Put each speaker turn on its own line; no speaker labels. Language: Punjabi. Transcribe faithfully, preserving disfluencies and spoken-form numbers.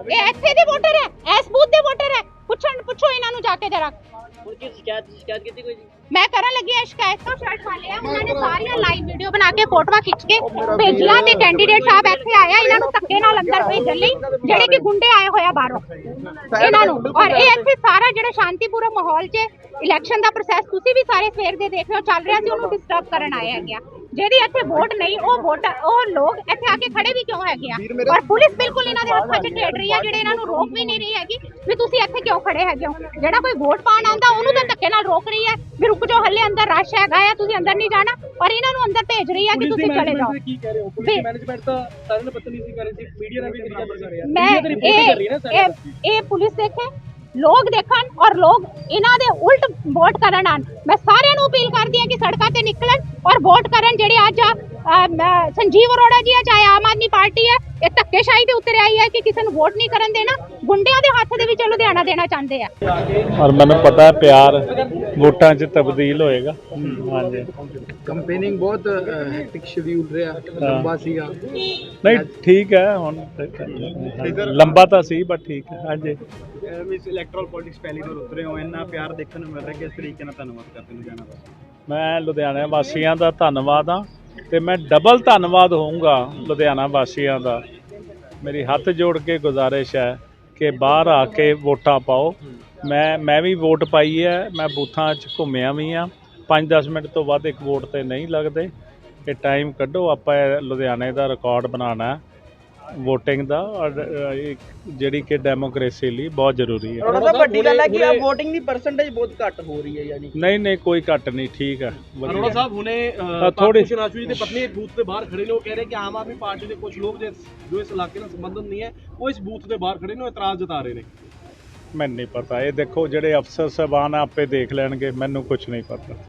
ਇਹ ਇੱਥੇ ਦੇ ਵੋਟਰ ਹੈ, ਇਸ ਬੂਥ ਦੇ ਵੋਟਰ ਹੈ। ਪੁੱਛਣ ਪੁੱਛੋ ਇਹਨਾਂ ਨੂੰ ਜਾ ਕੇ ਜਰਾ।
ਹੁਣ ਕੀ ਸ਼ਿਕਾਇਤ ਸ਼ਿਕਾਇਤ ਕੀਤੀ ਕੋਈ ਜੀ?
ਮੈਂ ਕਰਨ ਲੱਗੀ ਆ ਸ਼ਿਕਾਇਤ ਤੋਂ ਸ਼ਰਟ ਵਾਲੇ ਆ, ਉਹਨਾਂ ਨੇ ਸਾਰੀਆਂ ਲਾਈਵ ਵੀਡੀਓ ਬਣਾ ਕੇ ਫੋਟੋਆਂ ਖਿੱਚ ਕੇ ਭੇਜੀਆਂ ਤੇ ਕੈਂਡੀਡੇਟ ਸਾਹਿਬ ਇੱਥੇ ਆਇਆ ਇਹਨਾਂ ਨੂੰ ਧੱਕੇ ਨਾਲ ਅੰਦਰ ਭੇਜਣ ਲਈ, ਜਿਹੜੇ ਕਿ ਗੁੰਡੇ ਆਏ ਹੋਇਆ ਬਾਹਰੋਂ ਇਹਨਾਂ ਨੂੰ। ਔਰ ਇਹ ਇੱਥੇ ਸਾਰਾ ਜਿਹੜਾ ਸ਼ਾਂਤੀਪੂਰਨ ਮਾਹੌਲ 'ਚ ਇਲੈਕਸ਼ਨ ਦਾ ਪ੍ਰੋਸੈਸ ਤੁਸੀਂ ਵੀ ਸਾਰੇ ਸਵੇਰ ਦੇ ਦੇਖ ਰਹੇ ਹੋ ਚੱਲ ਰਿਹਾ ਸੀ, ਉਹਨੂੰ ਡਿਸਟਰਬ ਕਰਨ ਆਏ ਹੈਗੇ ਆ। ਜਿਹਦੀ ਇੱਥੇ ਵੋਟ ਨਹੀਂ ਉਹ ਵੋਟ ਉਹ ਲੋਕ ਇੱਥੇ ਆ ਕੇ ਖੜੇ ਵੀ ਕਿਉਂ ਹੈਗੇ ਆ? ਔਰ ਪੁਲਿਸ ਬਿਲਕੁਲ ਇਹਨਾਂ ਦੇ ਹੱਥਾਂ 'ਚ ਢੇੜ ਰਹੀ ਆ, ਜਿਹੜੇ ਇਹਨਾਂ ਨੂੰ ਰੋਕ ਵੀ ਨਹੀਂ ਰਹੀ ਹੈਗੀ ਵੀ ਤੁਸੀਂ ਇੱਥੇ ਕਿਉਂ ਖੜੇ ਹੈਗੇ ਹੋ। ਜਿਹੜਾ ਕੋਈ ਵੋਟ ਪਾਉਣ ਆਉਂਦਾ ਉਹਨੂੰ ਤਾਂ ਧੱਕੇ ਨਾਲ ਰੋਕ ਰਹੀ ਹੈ ਵੀ ਰੁਕ ਜਾਓ, ਹੱਲੇ ਅੰਦਰ ਰਸ਼ ਹੈਗਾ ਆ, ਤੁਸੀਂ ਅੰਦਰ ਨਹੀਂ ਜਾਣਾ। ਪਰ ਇਹਨਾਂ ਨੂੰ ਅੰਦਰ ਭੇਜ ਰਹੀ ਆ ਕਿ ਤੁਸੀਂ ਚਲੇ ਜਾਓ।
ਕੀ ਕਹਿ ਰਹੇ ਹੋ? ਪੁਲਿਸ ਮੈਨੇਜਮੈਂਟ ਤਾਂ ਸਾਰਿਆਂ ਨੂੰ ਬਦਤਮੀਜ਼ੀ ਕਰ ਰਹੀ ਸੀ, ਮੀਡੀਆ ਨੇ ਵੀ ਤਰੀਕਾ ਕਰ ਰਿਹਾ।
ਮੈਂ ਇਹ ਇਹ ਇਹ ਪੁਲਿਸ ਦੇਖੇ, ਲੋਕ ਦੇਖਣ ਔਰ ਲੋਕ ਇਹਨਾਂ ਦੇ ਉਲਟ ਵੋਟ ਕਰਨ ਆਣ। ਮੈਂ ਸਾਰਿਆਂ ਨੂੰ ਅਪੀਲ ਕਰਦੀ ਹਾਂ ਕਿ ਸੜਕਾਂ ਤੇ ਨਿਕਲਣ ਔਰ ਵੋਟ ਕਰਨ। ਜਿਹੜੇ ਅੱਜ ਸੰਜੀਵ ਅਰੋੜਾ ਜੀ ਆ, ਚਾਹੇ ਆਮ ਆਦਮੀ ਪਾਰਟੀ ਹੈ, ਇਹ ਧੱਕੇਸ਼ਾਹੀ ਦੇ ਉੱਤੇ ਆਈ ਹੈ ਕਿ ਕਿਸੇ ਨੂੰ ਵੋਟ ਨਹੀਂ ਕਰਨ ਦੇਣਾ, ਗੁੰਡਿਆਂ ਦੇ ਹੱਥ ਦੇ ਵਿੱਚ ਲੁਧਿਆਣਾ ਦੇਣਾ ਚਾਹੁੰਦੇ ਆ।
ਔਰ ਮੈਨੂੰ ਪਤਾ ਹੈ ਪਿਆਰ ਵੋਟਾਂ 'ਚ ਤਬਦੀਲ ਹੋਏਗਾ। ਹਾਂਜੀ,
ਕੰਪੇਨਿੰਗ ਬਹੁਤ ਹੈਕਟਿਕ ਸ਼ਡਿਊਲ ਰਿਹਾ, ਲੰਬਾ ਸੀਗਾ।
ਨਹੀਂ ਠੀਕ ਹੈ, ਹੁਣ ਲੰਬਾ ਤਾਂ ਸੀ ਬਟ ਠੀਕ ਹੈ। ਹਾਂਜੀ,
ਮਿਸ ਇਲੈਕਟਰਲ ਪੋਲਿਟਿਕਸ ਪਹਿਲੀ ਵਾਰ ਉਤਰੇ ਹੋ, ਇੰਨਾ ਪਿਆਰ ਦੇਖਣ ਨੂੰ ਮਿਲ ਰਿਹਾ, ਕਿਸ ਤਰੀਕੇ ਨਾਲ ਧੰਨਵਾਦ ਕਰਦੇ ਲੁਧਿਆਣਾ ਦਾ?
ਮੈਂ ਲੁਧਿਆਣਾ ਵਾਸੀਆਂ ਦਾ ਧੰਨਵਾਦ ਹਾਂ ਤੇ ਮੈਂ ਡਬਲ ਧੰਨਵਾਦ ਹੋਊਂਗਾ ਲੁਧਿਆਣਾ ਵਾਸੀਆਂ ਦਾ। ਮੇਰੀ ਹੱਥ ਜੋੜ ਕੇ ਗੁਜ਼ਾਰਿਸ਼ ਹੈ ਕਿ ਬਾਹਰ ਆ ਕੇ ਵੋਟਾਂ ਪਾਓ। ਮੈਂ ਮੈਂ ਵੀ ਵੋਟ ਪਾਈ ਹੈ, ਮੈਂ ਬੂਥਾਂ 'ਚ ਘੁੰਮਿਆ ਵੀ ਹਾਂ। ਪੰਜ ਦਸ ਮਿੰਟ ਤੋਂ ਵੱਧ ਇੱਕ ਵੋਟ 'ਤੇ ਨਹੀਂ ਲੱਗਦੇ। ਇਹ ਟਾਈਮ ਕੱਢੋ, ਆਪਾਂ ਲੁਧਿਆਣੇ ਦਾ ਰਿਕਾਰਡ ਬਣਾਉਣਾ ਵੋਟਿੰਗ ਦਾ, ਔਰ ਜਿਹੜੀ ਕਿ ਡੈਮੋਕ੍ਰੇਸੀ ਲਈ ਬਹੁਤ ਜ਼ਰੂਰੀ ਹੈ।
ਅਰੋੜਾ ਸਾਹਿਬ ਵੱਡੀ ਗੱਲ ਹੈ ਕਿ ਆ ਵੋਟਿੰਗ ਦੀ ਪਰਸੈਂਟੇਜ ਬਹੁਤ ਘੱਟ ਹੋ ਰਹੀ ਹੈ, ਯਾਨੀ
ਨਹੀਂ ਨਹੀਂ ਕੋਈ ਘੱਟ ਨਹੀਂ, ਠੀਕ ਹੈ।
ਅਰੋੜਾ ਸਾਹਿਬ ਹੁਣੇ
ਥੋੜੀ
ਸ਼ਨਾਸ਼ੂ ਜੀ ਦੇ ਪਤਨੀ ਇੱਕ ਬੂਥ ਤੇ ਬਾਹਰ ਖੜੇ ਨੇ, ਉਹ ਕਹਿ ਰਹੇ ਕਿ ਆਮ ਆਦਮੀ ਪਾਰਟੀ ਦੇ ਕੁਝ ਲੋਕ ਜੋ ਇਸ ਇਲਾਕੇ ਨਾਲ ਸੰਬੰਧਿਤ ਨਹੀਂ ਹੈ, ਉਹ ਇਸ ਬੂਥ ਦੇ ਬਾਹਰ ਖੜੇ ਨੇ, ਉਹ ਇਤਰਾਜ਼ ਜਤਾ ਰਹੇ ਨੇ।
ਮੈਨੂੰ ਨਹੀਂ ਪਤਾ, ਇਹ ਦੇਖੋ ਜਿਹੜੇ ਅਫਸਰ ਸਾਹਿਬਾਨ ਆਪੇ ਦੇਖ ਲੈਣਗੇ, ਮੈਨੂੰ ਕੁਝ ਨਹੀਂ ਪਤਾ।